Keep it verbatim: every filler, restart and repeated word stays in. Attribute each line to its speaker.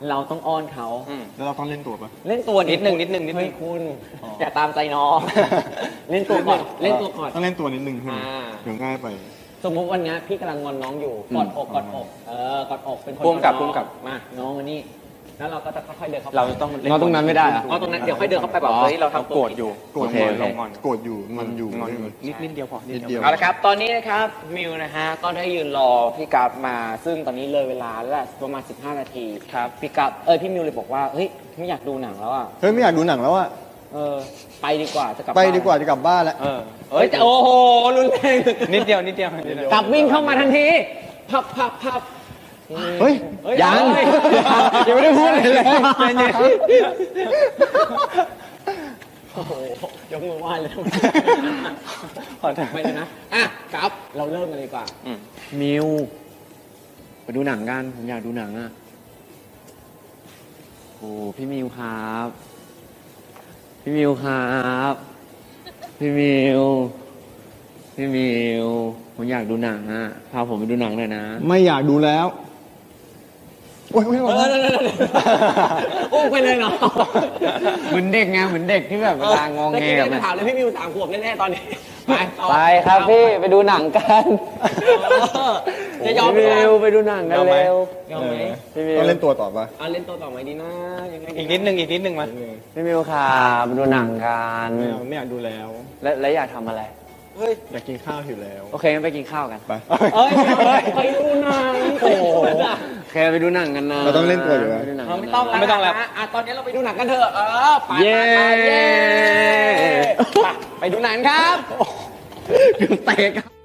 Speaker 1: เราต้องอ้อนเขา
Speaker 2: แล้วเราต้องเล่นตัวปะ
Speaker 1: เล่นตัว
Speaker 3: นิดนึงนิดนึงนิดนึง
Speaker 1: เฮ้ยคุณอย่าตามใจน้อง เล่นตัวก่อนเล่นตัวก่อน
Speaker 2: ต้องเล่นตัวนิดนึงใช่ไหม
Speaker 1: อ่า
Speaker 2: เดี๋ยวง่ายไป
Speaker 1: สมมติวันนี้พี่กำลังงอนน้องอยู่กอดอกกอดอกเออกอดอกเป็นคน
Speaker 3: พุ่มกับ
Speaker 1: น้อง
Speaker 3: พุ่มกับ
Speaker 1: มาน้องมานี่แล้วเราก็จะค่อยๆเดินเข้าไป
Speaker 3: เราต้อง
Speaker 4: เราตรงนั้นไม่ได้อะ
Speaker 1: อ๋อตรงนั้นเดี๋ยวค่อยเดินเข้าไปแบบเฮ้ยเราทำตัว
Speaker 3: โกรธอยู่
Speaker 2: โกรธ
Speaker 4: โอเค
Speaker 2: อยู่
Speaker 4: โอเค
Speaker 2: เรางอนโกรธอยู่งอนอยู่
Speaker 3: งอนอยู่นิดนิดเดียวพอ
Speaker 2: นิดเดียว
Speaker 1: เอาละครับ ตอนนี้นะครับมิวนะฮะก็ได้ยืนรอพี่กัฟมา ซึ่งตอนนี้เลยเวลาแล้วแหละประมาณสิบห้านาทีครับพี่กัฟเอ้ยพี่มิวเลยบอกว่าเฮ้ยไม่อยากดูหนังแล้วอ่ะ
Speaker 2: เฮ้ยไม่อยากดูหนังแล้วอะ
Speaker 1: เออไปดีกว่าจะกลับ
Speaker 2: ไป
Speaker 1: บ้น
Speaker 2: ดีกว่าจะกลับบ้านแล้ว
Speaker 3: เออ
Speaker 1: เฮ้ยแต่โอ้โหรุนแรง
Speaker 3: นิดเดียวนิดเดียวนิดเดียว
Speaker 1: กลับวิ่งเข้ามาทันทีพับพับพับ
Speaker 2: เฮ้ย
Speaker 1: เฮ้ย
Speaker 4: ยัง
Speaker 1: เฮ้
Speaker 4: ยังไม่ได้พูดอะไรเลย
Speaker 1: โอ้โหยกมือไหว้เลย
Speaker 3: ขอโทษ
Speaker 1: ไม่เลยนะอ่ะครับเราเริ่มกันเลยดีกว่า
Speaker 3: อืม
Speaker 4: มิวไปดูหนังกันผมอยากดูหนังอ่ะโอ้พี่มิวครับ พี่มิวครับพี่มิวพี่มิวผมอยากดูหนังอ่ะพาผมไปดูหนังหน่อยนะ
Speaker 2: ไม่อยากดูแล้วโอ้ยโอ้ยโอ้
Speaker 1: เอย อเดี๋ยวเดี๋ยวเดี๋ยวอุ้มไปเลยเนาะ
Speaker 4: เหมือนเด็กไงเหมือนเด็กที่แบบเวลางองแง
Speaker 1: เมื่อ
Speaker 4: กั
Speaker 1: กี้
Speaker 4: น
Speaker 1: ถามเลยพี่มิวสามขวบแน่ๆตอนนี้ ไปต่อ
Speaker 4: ไปครับพี่ไปดูหนังกัน
Speaker 1: เออจะยอม
Speaker 4: พี่
Speaker 1: ไหม
Speaker 4: มิวไปดูหนังกันเร็วย
Speaker 1: อมไหม
Speaker 4: พี่มิว
Speaker 2: ต้องเล่นตัวต่อปะ
Speaker 1: เอาเล่นตัวต่อไหมดีนะยังไง
Speaker 3: อีกนิดนึงอีกนิดนึงมา
Speaker 4: พี่มิวครับไปดูหนังกัน
Speaker 2: ไม่เอาไม่อยากดูแล้ว
Speaker 4: แล้วแล้วอยากทำอะไร
Speaker 1: เฮ้ย
Speaker 2: อยากกินข้าวหิวแล้ว
Speaker 4: โอเคงั้นไปกินข้าวกัน
Speaker 2: ไป
Speaker 1: เอ้ยไปดูหนังโอ้โห
Speaker 4: โอเคไปดูหนังกันนะ
Speaker 2: เราต้องเล่นตัวอยู่นะ
Speaker 4: ไปดูหนัง
Speaker 1: เรา
Speaker 4: กัน
Speaker 1: ไม่
Speaker 4: นะ
Speaker 1: ต้องแล้ว
Speaker 3: ไม่ต้องแล้ว
Speaker 1: นะอ่ะตอนนี้เราไปดูหนังกันเถอะ เออ ไป
Speaker 4: เย้
Speaker 1: ไปไปเย้ไปไปดูหนังครับ
Speaker 4: เตะกัน